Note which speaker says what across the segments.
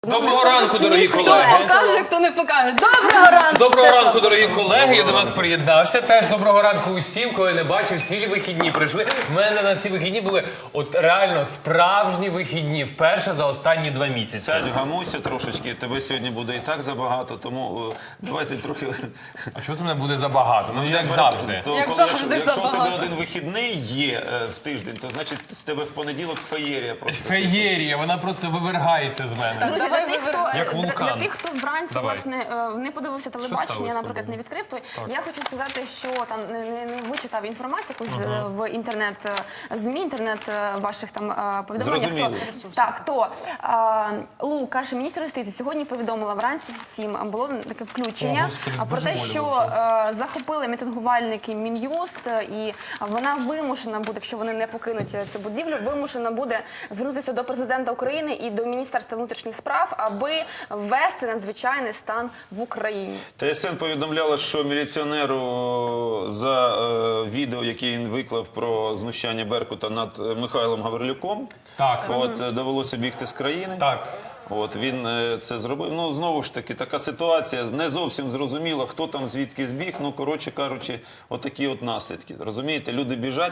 Speaker 1: Доброго ранку, дорогі
Speaker 2: Хто
Speaker 1: колеги.
Speaker 2: покаже, хто не покаже. Доброго ранку!
Speaker 1: Доброго ранку, дорогі колеги. Я до вас приєднався. Теж доброго ранку усім, кого я не бачив. Цілі вихідні прийшли. У мене на ці вихідні були от реально справжні вихідні. Вперше за останні 2 місяці.
Speaker 3: Сядь, вгамуйся трошечки, тебе сьогодні буде і так забагато, тому давайте трохи...
Speaker 1: А що це мене буде забагато? Ну, як завжди.
Speaker 3: То,
Speaker 2: Як
Speaker 3: коли-
Speaker 2: завжди
Speaker 3: якщо у тебе
Speaker 2: забагато.
Speaker 3: один вихідний є в тиждень, то значить з тебе в понеділок феєрія просто.
Speaker 1: Феєрія, вона просто вивергається з мене.
Speaker 2: Друзі,
Speaker 4: Давай
Speaker 1: Як вулкан.
Speaker 4: для тих, хто вранці
Speaker 1: Давай.
Speaker 4: власне не подивився телебачення,
Speaker 1: сталося з
Speaker 4: наприклад,
Speaker 1: тобою?
Speaker 4: не відкрив, то я хочу сказати, що там не вичитав інформацію якусь в інтернет ЗМІ, інтернет ваших там повідомленнях.
Speaker 3: Зрозуміло.
Speaker 4: Так, то Лукаш, міністр юстиції, сьогодні повідомила вранці всім було таке
Speaker 1: О,
Speaker 4: включення
Speaker 1: Господи,
Speaker 4: про те, що
Speaker 1: збожеволіла
Speaker 4: захопили мітингувальники Мін'юст, і вона вимушена буде, якщо вони не покинуть цю будівлю, вимушена буде звернутися до президента України і до Міністерства внутрішніх справ, аби ввести надзвичайний стан в Україні.
Speaker 3: ТСН повідомляла, що міліціонеру за відео, яке він виклав про знущання Беркута над Михайлом Гаврилюком,
Speaker 1: Так.
Speaker 3: довелося бігти з країни.
Speaker 1: Так.
Speaker 3: Він це зробив. Ну, знову ж таки, така ситуація, не зовсім зрозуміло, хто там звідки збіг. Ну, коротше кажучи, отакі от наслідки. Розумієте, люди біжать,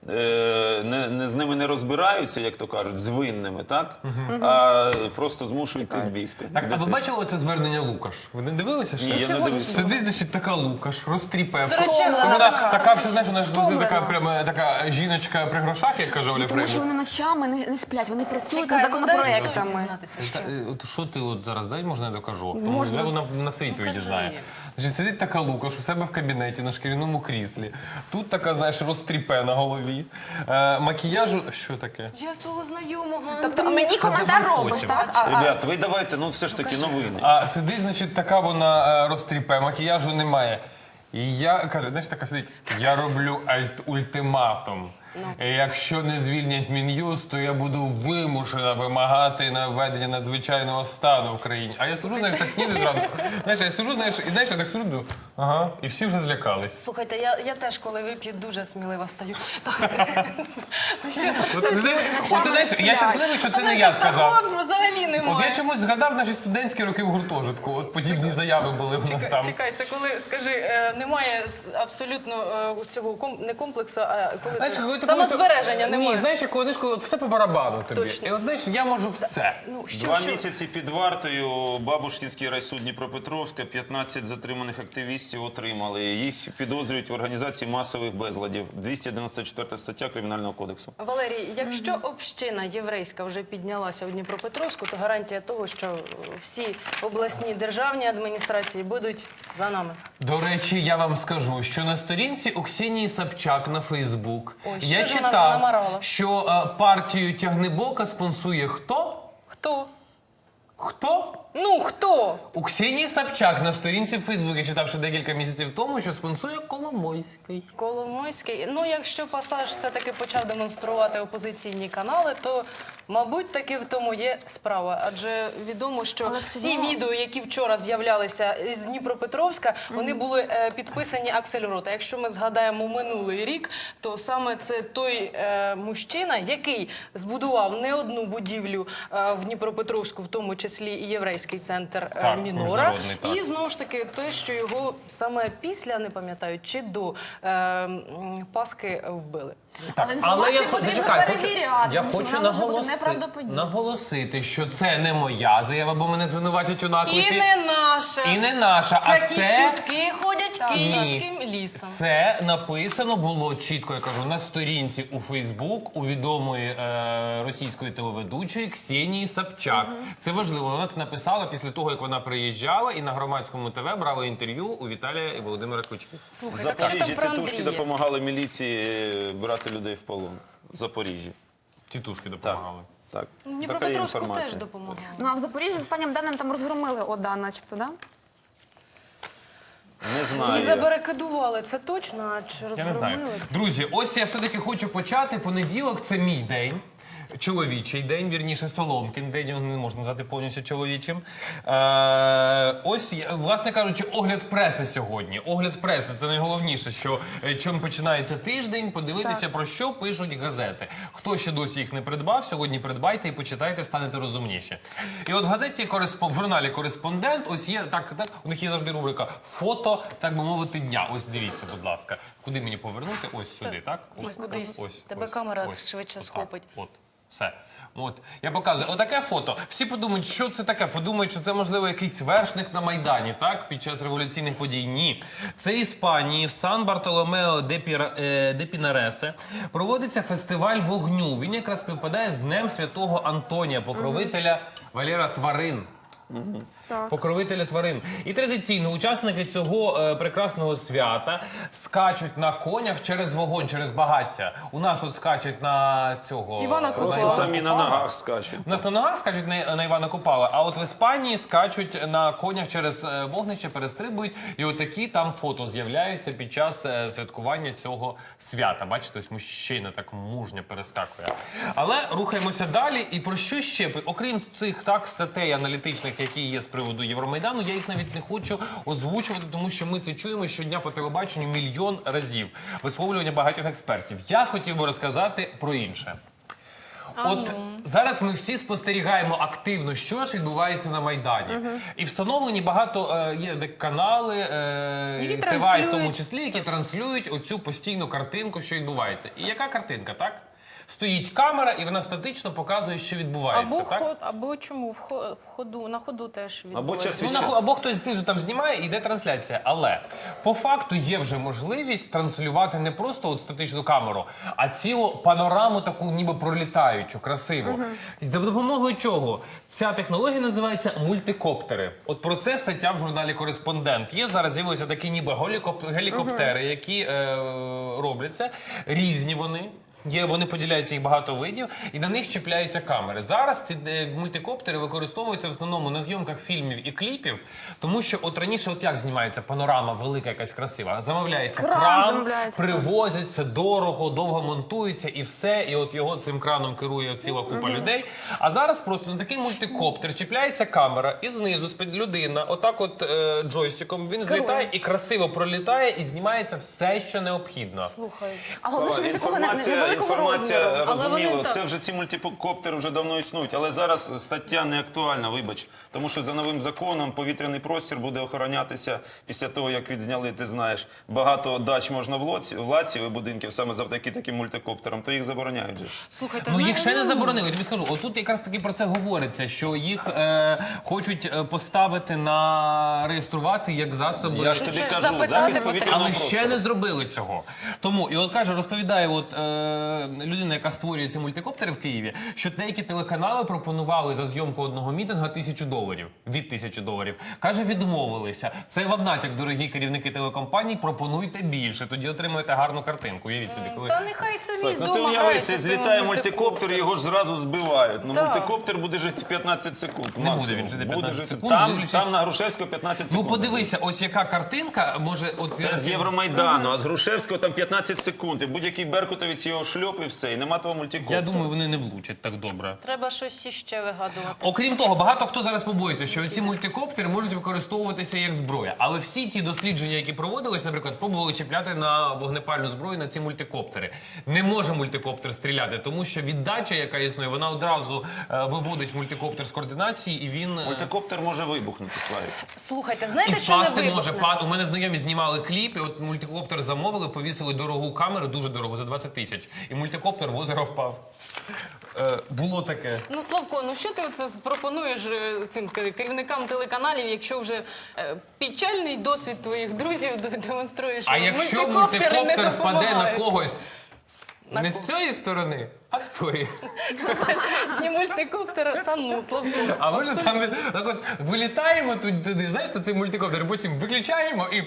Speaker 3: з ними не розбираються, як то кажуть, з винними, так? А просто змушують їх бігти.
Speaker 1: Так, а ви бачили оце звернення Лукаш? Ви не дивилися ще?
Speaker 3: Ні, я не дивився.
Speaker 1: Сидить, значить, така Лукаш, розтріпевша.
Speaker 4: Втомлена
Speaker 1: Вона
Speaker 4: така.
Speaker 1: така, все, знаєш, вона ж завжди
Speaker 4: Втомлена.
Speaker 1: така, прямо, така жіночка при грошах, як каже Оля
Speaker 4: Тому що
Speaker 1: Фреймут.
Speaker 4: вони ночами не сплять, вони працюють
Speaker 2: Чекай,
Speaker 4: над
Speaker 2: ну дай
Speaker 4: законопроектами.
Speaker 2: дізнатися, що.
Speaker 1: От що ти от зараз дай, можна я докажу? Тому
Speaker 4: Можна.
Speaker 1: вже вона на все відповіді
Speaker 2: кажи.
Speaker 1: знає. Значить, сидить така Лукаш у себе в кабінеті на шкіряному кріслі. Тут така, знаєш, розтріпе на голові. Макіяжу... Що таке?
Speaker 2: Я свого знайомого.
Speaker 4: Тобто мені коментар
Speaker 1: давай
Speaker 4: робиш,
Speaker 1: потім.
Speaker 4: так?
Speaker 3: Ребят, ви давайте, ну все ж таки новини.
Speaker 1: А сидить, значить, така вона розтріпе, макіяжу немає. І я, каже, знаєш, така сидить, я роблю ультиматум. Якщо не звільнять Мін'юст, то я буду вимушена вимагати на введення надзвичайного стану в країні. А я сижу, знаєш, так снідаю зранку. Знаєш, я сижу, знаєш, і знаєш, я так сижу, думаю, ага, і всі вже злякались.
Speaker 2: Слухайте, я теж, коли вип'ю, дуже смілива стаю. Так.
Speaker 1: От, ти знаєш, я щасливий, що це не я сказав.
Speaker 2: Такого взагалі
Speaker 1: От
Speaker 2: немає.
Speaker 1: я чомусь згадав наші студентські роки в гуртожитку. От подібні заяви були в нас там.
Speaker 2: Чекай, це коли, скажи, немає абсолютно цього не комплексу, а коли
Speaker 1: Знаєш,
Speaker 2: це
Speaker 1: коли ти
Speaker 2: самозбереження
Speaker 1: Ні,
Speaker 2: немає.
Speaker 1: знаєш, як коли от все по барабану тобі.
Speaker 2: Точно.
Speaker 1: І от, знаєш, я можу все.
Speaker 2: Ну, що,
Speaker 3: 2
Speaker 2: що?
Speaker 3: місяці під вартою Бабушкінський райсуд Дніпропетровська, 15 затриманих активістів отримали. Їх підозрюють в організації масових безладів. 294 стаття Кримінального кодексу.
Speaker 2: Валерій, якщо община єврейська вже піднялася у Дніпропетровську, то гарантія того, що всі обласні державні адміністрації будуть за нами.
Speaker 1: До речі, я вам скажу, що на сторінці у Ксенії Собчак на Фейсбук
Speaker 2: Ой, що
Speaker 1: я
Speaker 2: ж вона вже
Speaker 1: читав,
Speaker 2: намарала?
Speaker 1: що партію Тягнебока спонсує хто?
Speaker 2: Хто?
Speaker 1: Хто?
Speaker 2: Ну, хто?
Speaker 1: У Ксенії Собчак на сторінці в Фейсбук я читав ще декілька місяців тому, що спонсує Коломойський.
Speaker 2: Коломойський. Ну, якщо Пасаж все-таки почав демонструвати опозиційні канали, то, мабуть, таки в тому є справа. Адже відомо, що
Speaker 4: Але
Speaker 2: всі
Speaker 4: все одно-
Speaker 2: відео, які вчора з'являлися з Дніпропетровська, вони були підписані Аксельрота. Якщо ми згадаємо минулий рік, то саме це той мужчина, який збудував не одну будівлю в Дніпропетровську, в тому числі і єврейський центр
Speaker 1: Так,
Speaker 2: Мінора.
Speaker 1: міжнародний, так.
Speaker 2: І знову ж таки, те, що його саме після, не пам'ятаю, чи до Пасхи вбили.
Speaker 1: Так,
Speaker 4: Але
Speaker 1: але я
Speaker 4: інформацію потрібно
Speaker 1: зачекай,
Speaker 4: перевіряти, тому що
Speaker 1: хочу
Speaker 4: вона може бути неправдоподібна.
Speaker 1: наголосити, що це не моя заява, бо мене звинуватять у наклепі.
Speaker 2: І не наша.
Speaker 1: І не наша, а
Speaker 2: Такі
Speaker 1: це...
Speaker 2: чутки ходять київським лісом.
Speaker 1: Це написано було чітко, я кажу, на сторінці у Фейсбук у відомої російської телеведучої Ксенії Собчак. Це важливо. Вона це написала після того, як вона приїжджала і на громадському ТВ брала інтерв'ю у Віталія і Володимира Кличків.
Speaker 3: В
Speaker 2: Слухай, так що
Speaker 3: Запоріжжі
Speaker 2: там про
Speaker 3: тітушки
Speaker 2: Андрія?
Speaker 3: допомагали міліції брати людей в полон. В Запоріжжі.
Speaker 1: Тітушки
Speaker 3: Так.
Speaker 1: допомагали.
Speaker 3: Так. Така є
Speaker 2: Дніпропетровську теж
Speaker 3: інформація.
Speaker 2: допомагали.
Speaker 4: Ну а в Запоріжжі з останнім даним там розгромили ОДА, начебто, да?
Speaker 3: Не
Speaker 2: І
Speaker 3: знаю.
Speaker 2: забарикадували, це точно, а чи
Speaker 1: Я не знаю.
Speaker 2: розгромили це?
Speaker 1: Друзі, ось я все-таки хочу почати. Понеділок – це мій день. чоловічий день, вірніше, Соломкін день, його не можна назвати повністю чоловічим. Ось, власне кажучи, огляд преси сьогодні. Огляд преси – це найголовніше, що чим починається тиждень, подивитися, про що пишуть газети. Хто ще досі їх не придбав, сьогодні придбайте і почитайте, станете розумніші. І от в газеті, в журналі «Кореспондент», ось є, у них є завжди рубрика «Фото, так би мовити, дня». Ось дивіться, будь ласка. Куди мені повернути? Ось сюди, так?
Speaker 2: Ось кудись. Тебе камера швидше схопить.
Speaker 1: От, все. От. Я показую. Отаке фото. Всі подумають, що це таке. Подумають, що це, можливо, якийсь вершник на Майдані, так? Під час революційних подій. Ні. Це Іспанії, в Сан-Бартоломео де Пінаресе. Проводиться фестиваль вогню. Він якраз співпадає з Днем Святого Антонія, покровителя Валера тварин. Покровителя тварин. І традиційно учасники цього прекрасного свята скачуть на конях через вогонь, через багаття. У нас от скачуть на цього...
Speaker 2: Івана Купала.
Speaker 3: Просто самі на ногах скачуть.
Speaker 1: У нас на ногах скачуть на Івана Купала, а от в Іспанії скачуть на конях через вогнище, перестрибують. І отакі там фото з'являються під час святкування цього свята. Бачите, ось мужчина так мужньо перескакує. Але рухаємося далі. І про що ще? Окрім цих статей аналітичних, які є з приводу Євромайдану, я їх навіть не хочу озвучувати, тому що ми це чуємо щодня по телебаченню мільйон разів. Висловлювання багатьох експертів. Я хотів би розказати про інше. От зараз ми всі спостерігаємо активно, що ж відбувається на Майдані. І встановлені багато є канали,
Speaker 2: Які
Speaker 1: ТВ в тому
Speaker 2: транслюють.
Speaker 1: числі, які транслюють оцю постійну картинку, що відбувається. І яка картинка, так? Стоїть камера, і вона статично показує, що відбувається, так?
Speaker 2: Або чому на ходу теж
Speaker 3: Або
Speaker 2: відбувається.
Speaker 3: час
Speaker 1: Ну,
Speaker 3: від часу.
Speaker 1: або хтось знизу там знімає і йде трансляція. Але по факту є вже можливість транслювати не просто от статичну камеру, а цілу панораму таку ніби пролітаючу, красиву. І за допомогою чого? Ця технологія називається мультикоптери. От про це стаття в журналі «Кореспондент». Є зараз з'явилися такі ніби гелікоптери, які робляться. Різні вони. Вони поділяються, їх багато видів, і на них чіпляються камери. Зараз ці мультикоптери використовуються в основному на зйомках фільмів і кліпів, тому що от раніше от як знімається панорама велика, якась красива. Замовляється кран,
Speaker 4: замовляється,
Speaker 1: привозять, це дорого, довго монтується і все, і от його цим краном керує ціла купа людей. А зараз просто на такий мультикоптер чіпляється камера, і знизу з-під людина, отак от джойстиком, він злітає і красиво пролітає, і знімається все, що необхідно.
Speaker 2: Слухай.
Speaker 4: А головне, що він такого невеликого
Speaker 3: Інформація,
Speaker 4: розміру.
Speaker 2: Але вони
Speaker 3: розуміло,
Speaker 2: так.
Speaker 3: це вже ці мультикоптери вже давно існують, але зараз стаття не актуальна, вибач. Тому що за новим законом повітряний простір буде охоронятися після того, як відзняли, ти знаєш, багато дач можна в Лаціо і будинків саме завдяки таким мультикоптерам, то їх забороняють же.
Speaker 2: Слухайте,
Speaker 1: Ну їх ще не заборонили, я тобі скажу. Отут якраз таки про це говориться, що їх хочуть поставити реєструвати як засоби.
Speaker 3: Я ж тобі
Speaker 2: Щось
Speaker 3: кажу,
Speaker 2: запитати
Speaker 3: захист
Speaker 2: потрібно.
Speaker 3: повітряного
Speaker 1: Але ще
Speaker 3: простору.
Speaker 1: не зробили цього. Тому, і от каже, розповідає людина, яка створює ці мультикоптери в Києві, що деякі телеканали пропонували за зйомку одного мітинга $1000. Від $1000. Каже, відмовилися. Це вам натяк, дорогі керівники телекомпаній, пропонуйте більше, тоді отримаєте гарну картинку. Уявіть собі, коли...
Speaker 2: Та нехай самі
Speaker 3: Так, ну ти
Speaker 2: вдома
Speaker 3: уяви,
Speaker 2: граються
Speaker 3: це
Speaker 2: своїми
Speaker 3: злітає мультикоптер, його ж зразу збивають. Ну,
Speaker 2: Так.
Speaker 3: мультикоптер буде жити 15 секунд.
Speaker 1: Не буде
Speaker 3: максимум.
Speaker 1: він жити
Speaker 3: Буде
Speaker 1: 15
Speaker 3: жити.
Speaker 1: секунд,
Speaker 3: Там,
Speaker 1: дивлячись-
Speaker 3: там на Грушевського 15
Speaker 1: Ну
Speaker 3: секунд.
Speaker 1: подивися, ось яка картинка може... От
Speaker 3: Це
Speaker 1: зараз
Speaker 3: з Євромайдану, а з Грушевського там 15 секунд. І будь-який беркутовець його шльоп і все. І нема того мультикоптера.
Speaker 1: Я думаю, вони не влучать так добре.
Speaker 2: Треба щось іще вигадувати.
Speaker 1: Окрім того, багато хто зараз побоїться, що ці мультикоптери можуть використовуватися як зброя. Але всі ті дослідження, які проводились, наприклад, пробували чіпляти на вогнепальну зброю на ці мультикоптери. Не може мультикоптер стріляти, тому що віддача, яка існує, вона одразу виводить мультикоптер з координації, і він...
Speaker 3: Мультикоптер може вибухнути, Славік.
Speaker 2: Слухайте,
Speaker 1: І
Speaker 2: знаєте, що не
Speaker 1: впасти може.
Speaker 2: вибухне?
Speaker 1: У мене знайомі знімали кліп, і от мультикоптер замовили, повісили дорогу камеру, дуже дорогу, за 20 000. І мультикоптер в озеро впав. Було таке.
Speaker 2: Ну, Славко, ну що ти оце пропонуєш цим, скажи, керівникам телеканалів, якщо вже печальний досвід твоїх друзів демонструєш?
Speaker 1: А якщо
Speaker 2: мультикоптери не
Speaker 1: мультикоптер впаде на
Speaker 2: допомагають?
Speaker 1: когось
Speaker 2: На
Speaker 1: не
Speaker 2: кого?
Speaker 1: з цієї сторони, а з тої.
Speaker 2: Ні мультикоптер, та ну, Славко.
Speaker 1: А ми ж там так от вилітаємо туди, знаєш, на цей мультикоптер, потім виключаємо і...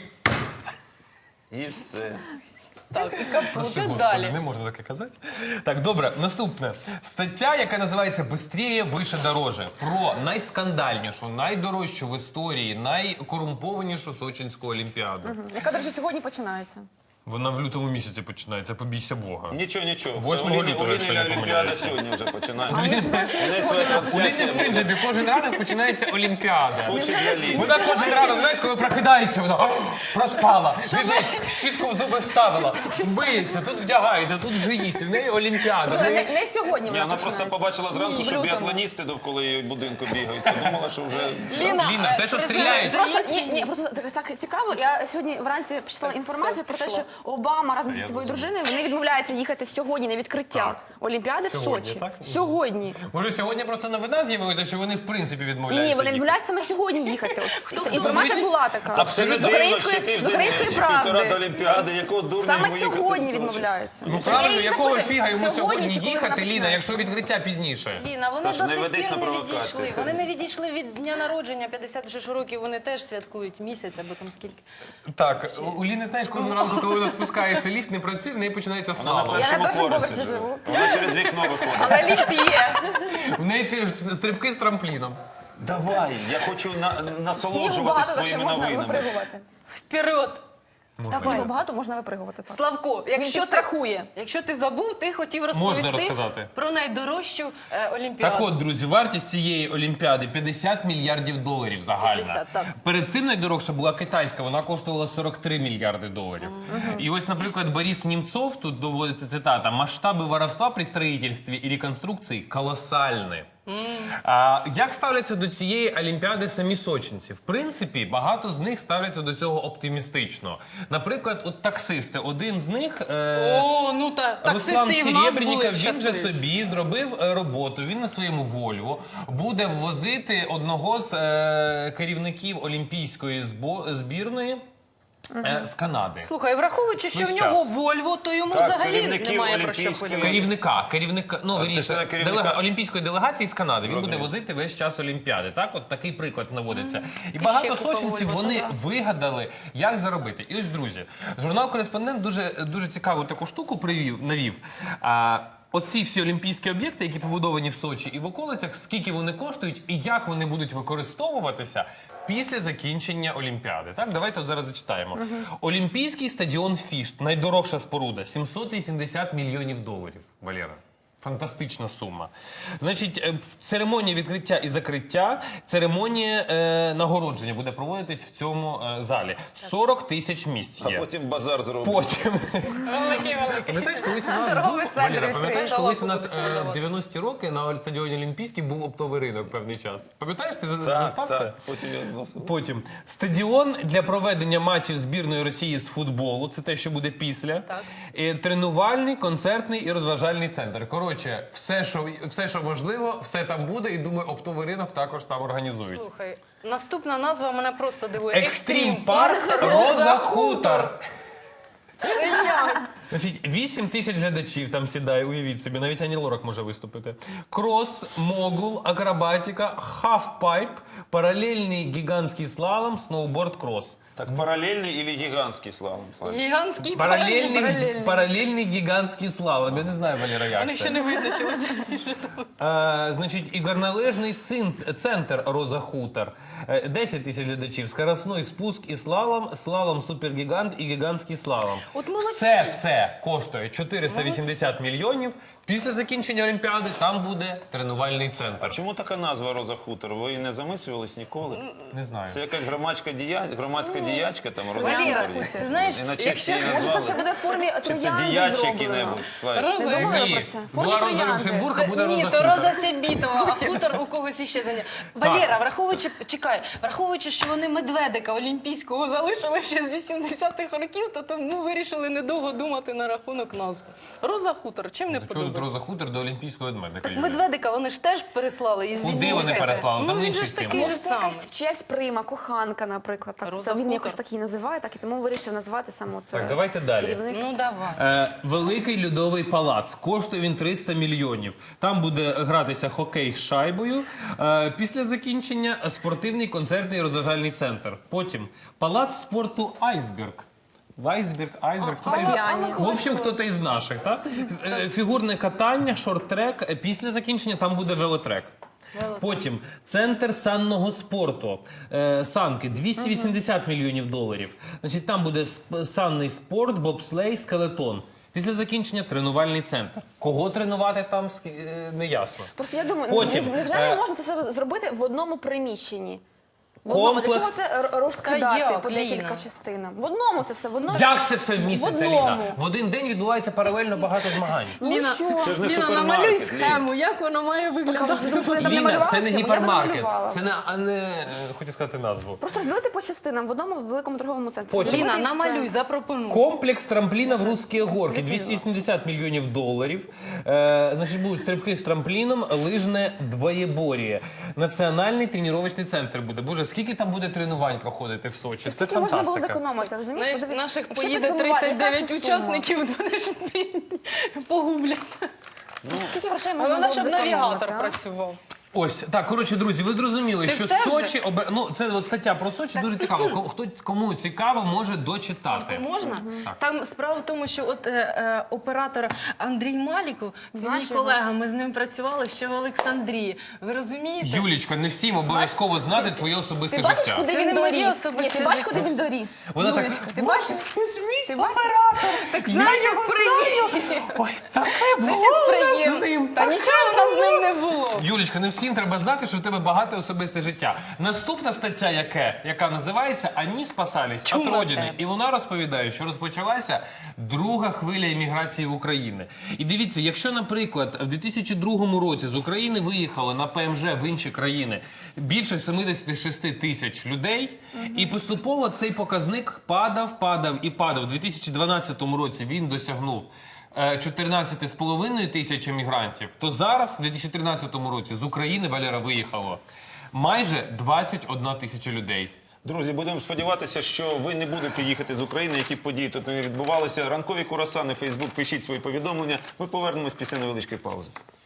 Speaker 3: І все.
Speaker 2: Так, і капут,
Speaker 1: Господи,
Speaker 2: і далі.
Speaker 1: не можна таке казати. Так, добре, наступне. Стаття, яка називається «Бистріє, вище, дороже». Про найскандальнішу, найдорожчу в історії, найкорумпованішу Сочинську олімпіаду.
Speaker 4: Яка, до речі, сьогодні починається.
Speaker 1: Вона в лютому місяці починається, побійся Бога.
Speaker 3: Нічого.
Speaker 1: 8 лютого, якщо не
Speaker 3: Олімпіада
Speaker 1: помиляюся.
Speaker 3: сьогодні вже починається.
Speaker 4: А я знаю, що
Speaker 3: У неї
Speaker 4: я
Speaker 3: своя
Speaker 4: сьогодні.
Speaker 1: У Ліни,
Speaker 3: трансляція.
Speaker 1: в принципі, кожен ранок починається Олімпіада.
Speaker 3: Сочі для Ліни.
Speaker 1: Вона кожен ранок, знаєш, коли прокидається, вона проспала, біжить, щітку в зуби вставила, миється, тут вдягається, тут вже їсть. В неї Олімпіада. В неї-
Speaker 4: Не сьогодні
Speaker 3: Ні,
Speaker 4: вона
Speaker 3: вона просто
Speaker 4: починається.
Speaker 3: побачила зранку,
Speaker 2: Ні, в
Speaker 3: що
Speaker 2: лютому.
Speaker 3: біатлоністи довкола її будинку бігають. Подумала, що вже
Speaker 1: Ліна, те, що стріляєш.
Speaker 4: Просто просто так цікаво. Я сьогодні вранці почитала інформацію про те,
Speaker 2: пішло.
Speaker 4: що Обама разом зі своєю дружиною вони відмовляються їхати сьогодні на відкриття
Speaker 1: Так.
Speaker 4: Олімпіади в
Speaker 1: Сьогодні,
Speaker 4: Сочі.
Speaker 1: так?
Speaker 4: Сьогодні.
Speaker 1: Може, сьогодні просто новина з'явилася, що вони в принципі відмовляються.
Speaker 4: Ні, вони
Speaker 1: їхати?
Speaker 4: відмовляються саме сьогодні їхати.
Speaker 2: Хто
Speaker 4: Інформація була така.
Speaker 3: Це не
Speaker 4: З
Speaker 3: дивно, ще
Speaker 4: української
Speaker 3: тиждень чи
Speaker 4: правди.
Speaker 3: півтора до Олімпіади, якого дурня
Speaker 4: Саме
Speaker 3: йому їхати
Speaker 4: сьогодні
Speaker 3: в Сочі?
Speaker 4: відмовляються.
Speaker 1: Ну правильно,
Speaker 4: Я їх
Speaker 1: якого
Speaker 4: запитую,
Speaker 1: фіга йому сьогодні
Speaker 4: чи коли
Speaker 1: їхати,
Speaker 4: вона
Speaker 1: Ліна,
Speaker 4: починається?
Speaker 1: якщо відкриття пізніше?
Speaker 2: Ліна, вони
Speaker 3: Саш,
Speaker 2: до
Speaker 3: не
Speaker 2: сих
Speaker 3: ведись
Speaker 2: пір
Speaker 3: на
Speaker 2: не
Speaker 3: провокації,
Speaker 2: відійшли.
Speaker 3: це-
Speaker 2: Вони не відійшли від дня народження, 56 років, вони теж святкують місяць або там скільки.
Speaker 1: Так, у Ліни, знаєш, кожного ранку, коли вона спускається, ліфт не працює, в неї починається
Speaker 3: Вона на
Speaker 1: слава.
Speaker 3: першому
Speaker 4: першому
Speaker 3: поверсі
Speaker 4: поверсі
Speaker 3: живе.
Speaker 4: живу.
Speaker 3: Вона через вікно виходить.
Speaker 4: Але ліфт є.
Speaker 1: В неї стрибки з трампліном.
Speaker 3: Давай, я хочу
Speaker 4: Снігу
Speaker 3: насолоджуватись
Speaker 4: багато, так що
Speaker 3: твоїми
Speaker 4: можна
Speaker 3: новинами.
Speaker 4: випригувати.
Speaker 2: Вперед!
Speaker 4: Снігу багато, можна випригувати. так.
Speaker 2: Славко,
Speaker 4: Він
Speaker 2: якщо ти,
Speaker 4: підстрахує.
Speaker 2: якщо ти забув, ти хотів розповісти
Speaker 1: розказати.
Speaker 2: про найдорожчу Олімпіаду.
Speaker 1: Так от, друзі, вартість цієї Олімпіади 50 мільярдів доларів загальна.
Speaker 2: 50, так.
Speaker 1: Перед цим найдорожча була китайська, вона коштувала 43 мільярди доларів. І ось, наприклад, Борис Німцов, тут доводиться цитата, масштаби воровства при строїтельстві і реконструкції колосальні. А як ставляться до цієї Олімпіади самі сочинці? В принципі, багато з них ставляться до цього оптимістично. Наприклад, от таксисти, один з них...
Speaker 2: О, ну та
Speaker 1: Руслан
Speaker 2: таксисти і в нас
Speaker 1: Серебренников,
Speaker 2: були
Speaker 1: він же
Speaker 2: щасливі.
Speaker 1: собі зробив роботу. Він на своєму Вольво буде возити одного з керівників олімпійської збірної з Канади.
Speaker 2: Слухай, враховуючи, що в
Speaker 1: Весь
Speaker 2: нього
Speaker 1: час.
Speaker 2: Вольво, то йому
Speaker 3: Так,
Speaker 2: взагалі
Speaker 3: керівників
Speaker 2: немає про що
Speaker 3: Олімпійської-
Speaker 2: хвилюватися.
Speaker 1: Керівника, ну,
Speaker 3: ти
Speaker 1: вірніше,
Speaker 3: сказала керівника?
Speaker 1: олімпійської делегації з Канади. Він буде
Speaker 3: Зрозумів.
Speaker 1: возити весь час Олімпіади. Так, от такий приклад наводиться. І багато
Speaker 2: купа
Speaker 1: сочинців
Speaker 2: Вольво,
Speaker 1: вони
Speaker 2: то да.
Speaker 1: вигадали, як заробити. І ось, друзі, журнал «Кореспондент» дуже цікаву таку штуку навів. Оці всі олімпійські об'єкти, які побудовані в Сочі і в околицях, скільки вони коштують і як вони будуть використовуватися після закінчення Олімпіади. Так, давайте от зараз зачитаємо. Олімпійський стадіон Фішт, найдорожча споруда, 780 мільйонів доларів, Валера. Фантастична сума. Значить, церемонія відкриття і закриття, церемонія нагородження буде проводитись в цьому залі. 40 тисяч місць
Speaker 3: А
Speaker 1: є.
Speaker 3: потім базар зробить.
Speaker 1: Потім.
Speaker 2: Великий.
Speaker 1: Пам'ятаєш, колись у нас був,
Speaker 4: Торговий центр
Speaker 1: Валера, пам'ятаєш,
Speaker 2: відкрили.
Speaker 1: колись у нас
Speaker 2: Шалаху
Speaker 1: в 90-ті роки на стадіоні Олімпійський був оптовий ринок певний час. Пам'ятаєш, ти застав це?
Speaker 3: Потім я зносив.
Speaker 1: Потім стадіон для проведення матчів збірної Росії з футболу. Це те, що буде після.
Speaker 2: Так.
Speaker 1: Тренувальний, концертний і розважальний центр. Коротше, все, що можливо, все там буде. І думаю, оптовий ринок також там організують.
Speaker 2: Слухай, наступна назва мене просто дивує.
Speaker 1: Екстрім парк Роза Хутор. Значить, 8 тисяч глядачів там сідає, уявіть собі, навіть Ані Лорак може виступити. Крос, могул, акробатика, хафпайп, паралельний гігантський слалом, сноуборд-крос.
Speaker 3: Так паралельний или гігантський славом?
Speaker 2: Гігантський
Speaker 1: Паралельний гігантський слалом. Я не знаю, Валера, як
Speaker 2: Вони
Speaker 1: це.
Speaker 2: ще не визначилися.
Speaker 1: Значить, і горнолижний центр Роза Хутор. 10 тисяч глядачів, скоростний спуск і слалом супергігант і гігантський слалом.
Speaker 2: От молодці.
Speaker 1: Все це коштує 480 мільйонів. Після закінчення Олімпіади там буде тренувальний
Speaker 3: А
Speaker 1: центр.
Speaker 3: чому така назва Роза Хутор? Ви не замислювались ніколи?
Speaker 1: Не знаю.
Speaker 3: Це якась громадська діячка там Роза
Speaker 2: Валера,
Speaker 3: Хутор.
Speaker 2: ти знаєш,
Speaker 3: І на честь її
Speaker 4: Може, це все
Speaker 3: назвали?
Speaker 4: буде в формі
Speaker 3: Чи це
Speaker 4: троянди
Speaker 3: діяч
Speaker 4: зроблено?
Speaker 3: який-небудь? Слайд.
Speaker 2: Роза.
Speaker 4: Не думали
Speaker 1: Ні,
Speaker 4: про це? В формі
Speaker 1: була Роза
Speaker 4: троянди.
Speaker 1: Люксембург, а буде
Speaker 2: Ні,
Speaker 1: Роза
Speaker 2: то
Speaker 1: Хутор.
Speaker 2: Роза Сєбітова, а хутор у когось іще заняв. Валера, враховуючи, що вони медведика олімпійського залишили ще з 80-х років, то тому вирішили недовго думати на рахунок назви. Роза Хутор, чим не
Speaker 1: Чого тут
Speaker 2: подобається?
Speaker 1: Роза Хутор до Олімпійського медведика?
Speaker 2: Так
Speaker 1: Юлія?
Speaker 2: медведика вони ж теж переслали із
Speaker 1: Куди вони
Speaker 2: 80-х.
Speaker 1: переслали? Там
Speaker 2: Ну він
Speaker 1: інший
Speaker 2: же ж
Speaker 1: цим.
Speaker 2: такий же
Speaker 4: Може, це
Speaker 2: самий.
Speaker 4: якась чиясь прима, коханка, наприклад. Так,
Speaker 2: Роза
Speaker 4: це він
Speaker 2: Хутор.
Speaker 4: якось так її називає, так і тому вирішив назвати саме от,
Speaker 1: Так, давайте далі.
Speaker 4: керівник.
Speaker 2: Ну давай.
Speaker 1: Великий льодовий палац. Коштує він 300 мільйонів. Там буде гратися хокей з шайбою. Після закінчення спортивний концертний розважальний центр. Потім палац спорту Айсберг. Айсберг. Хто-то із...
Speaker 4: Пав'яні.
Speaker 1: В общем, хто-то із наших. Так? Фігурне катання, шорт-трек. Після закінчення там буде велотрек. Потім центр санного спорту. Санки 280 мільйонів доларів. Значить, там буде санний спорт, бобслей, скелетон. Після закінчення тренувальний центр. Кого тренувати там, не ясно.
Speaker 4: Просто я думаю,
Speaker 1: Потім,
Speaker 4: невже не можна це все зробити в одному приміщенні? В одному. Для чого це
Speaker 2: Та
Speaker 4: розкидати
Speaker 2: як,
Speaker 4: по декілька
Speaker 2: Ліна?
Speaker 4: частинам? В одному це все, в одному.
Speaker 1: Як це все вміститься,
Speaker 4: В
Speaker 1: Ліна?
Speaker 4: одному.
Speaker 1: В один день відбувається паралельно багато змагань.
Speaker 4: Ну що?
Speaker 3: Це ж не
Speaker 2: Ліна,
Speaker 3: супермаркет,
Speaker 2: намалюй
Speaker 3: Ліна.
Speaker 2: схему, як воно має виглядати.
Speaker 4: Тому що вони там не
Speaker 1: Ліна,
Speaker 4: малювали
Speaker 1: це не
Speaker 4: схему, я
Speaker 1: гіпермаркет.
Speaker 4: намалювала.
Speaker 1: Це не хочу сказати назву.
Speaker 4: Просто розділити по частинам в одному великому торговому центрі.
Speaker 1: Потім.
Speaker 2: Ліна,
Speaker 4: Зробити і все.
Speaker 2: намалюй, запропонуй.
Speaker 1: Комплекс трампліна в Русські горки. 280 мільйонів доларів. Значить, будуть стрибки з трампліном, лижне двоєбор'я. Національний тренувальний центр буде. Боже, скільки там буде тренувань проходити в Сочі? Це
Speaker 4: Скільки можна було
Speaker 1: фантастика.
Speaker 4: зекономити, розумієш?
Speaker 2: Знаєш,
Speaker 4: Подивись,
Speaker 2: наших
Speaker 4: якщо
Speaker 2: поїде
Speaker 4: підсумувати, яка
Speaker 2: 39
Speaker 4: це сума?
Speaker 2: учасників, вони ж погубляться.
Speaker 4: Скільки грошей можна
Speaker 2: Головне,
Speaker 4: було
Speaker 2: щоб
Speaker 4: зекономити,
Speaker 2: навігатор
Speaker 4: а?
Speaker 2: працював.
Speaker 1: Ось, так, коротше, друзі, ви зрозуміли, що
Speaker 2: все вже?
Speaker 1: Сочі... Ну, це от стаття про Сочі дуже цікаво. Кому цікаво, може дочитати.
Speaker 2: Можна?
Speaker 1: Так.
Speaker 2: Там справа в тому, що от оператор Андрій Маліков, це мій
Speaker 4: Знаєш його?
Speaker 2: колега, ми з ним працювали ще в Олександрії. Ви розумієте?
Speaker 1: Юлічка, не всім обов'язково знати твоє особисте
Speaker 4: Ти бачиш,
Speaker 1: життя.
Speaker 4: куди
Speaker 2: Це
Speaker 4: він
Speaker 2: не моє
Speaker 4: доріс? Ні,
Speaker 2: особисте
Speaker 4: ти бачиш,
Speaker 2: життя.
Speaker 4: куди він доріс?
Speaker 1: Вона так,
Speaker 4: Юлечка, ти бачиш?
Speaker 1: це ж мій
Speaker 4: Ти бачиш?
Speaker 2: Так знаєш, як приємно.
Speaker 1: Ой, таке
Speaker 2: Знаєш,
Speaker 1: було
Speaker 2: як
Speaker 1: у нас з
Speaker 2: приємно.
Speaker 1: ним.
Speaker 2: Та нічого в нас з ним не було.
Speaker 1: Юлічка, не всім треба знати, що в тебе багате особисте життя. Наступна стаття, яка називається «Ані спасались
Speaker 2: Чула
Speaker 1: від родини».
Speaker 2: тебе.
Speaker 1: І вона розповідає, що розпочалася друга хвиля імміграції в Україну. І дивіться, якщо, наприклад, в 2002 році з України виїхало на ПМЖ в інші країни більше 76 тисяч людей, і поступово цей показник падав і падав. У 2012 році він досягнув 14,5 тисяч емігрантів, то зараз, в 2013 році, з України, Валера, виїхало майже 21 тисяча людей.
Speaker 3: Друзі, будемо сподіватися, що ви не будете їхати з України, які події тут не відбувалися. Ранкові курасани, Фейсбук, пишіть свої повідомлення. Ми повернемось після невеличкої паузи.